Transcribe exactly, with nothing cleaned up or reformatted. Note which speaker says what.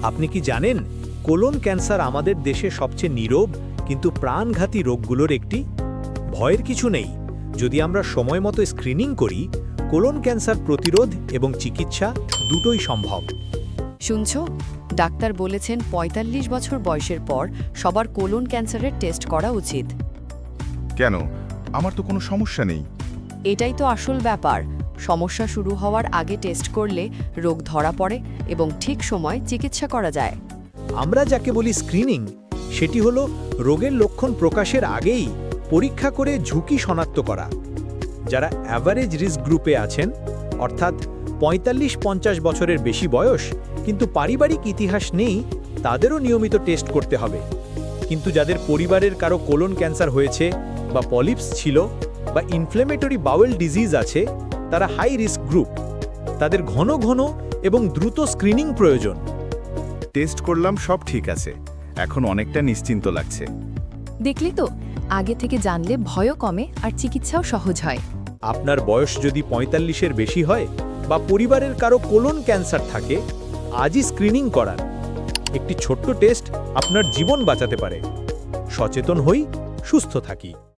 Speaker 1: আপনি কি জানেন কোলন ক্যান্সার আমাদের দেশে সবচেয়ে নীরব কিন্তু প্রাণঘাতী রোগগুলোর একটি? ভয়ের কিছু নেই। যদি আমরা সময় মতো স্ক্রিনিং করি, কোলন ক্যান্সার প্রতিরোধ এবং চিকিৎসা দুটোই সম্ভব।
Speaker 2: শুনছো, ডাক্তার বলেছেন পঁয়তাল্লিশ বছর বয়সের পর সবার কোলন ক্যান্সারের টেস্ট করা উচিত।
Speaker 3: কেন? আমার তো কোনো সমস্যা নেই।
Speaker 2: এটাই তো আসল ব্যাপার। সমস্যা শুরু হওয়ার আগে টেস্ট করলে রোগ ধরা পড়ে এবং ঠিক সময় চিকিৎসা করা যায়।
Speaker 1: আমরা যাকে বলি স্ক্রিনিং, সেটি হলো রোগের লক্ষণ প্রকাশের আগেই পরীক্ষা করে ঝুঁকি শনাক্ত করা। যারা অ্যাভারেজ রিস্ক গ্রুপে আছেন, অর্থাৎ পঁয়তাল্লিশ পঞ্চাশ বছরের বেশি বয়স কিন্তু পারিবারিক ইতিহাস নেই, তাদেরও নিয়মিত টেস্ট করতে হবে। কিন্তু যাদের পরিবারের কারো কোলন ক্যান্সার হয়েছে বা পলিপস ছিল বা ইনফ্লেমেটরি বাউল ডিজিজ আছে, তারা হাই রিস্ক গ্রুপ। তাদের ঘন ঘন এবং দ্রুত স্ক্রিনিং প্রয়োজন।
Speaker 3: টেস্ট করলাম, সব ঠিক আছে। এখন অনেকটা নিশ্চিন্ত লাগছে।
Speaker 4: দেখলি তো, আগে থেকে জানলে ভয়ও কমে আর চিকিৎসাও সহজ হয়।
Speaker 1: আপনার বয়স যদি পঁয়তাল্লিশের বেশি হয় বা পরিবারের কারো কোলন ক্যান্সার থাকে, আজই স্ক্রিনিং করান। একটি ছোট্ট টেস্ট আপনার জীবন বাঁচাতে পারে। সচেতন হই, সুস্থ থাকি।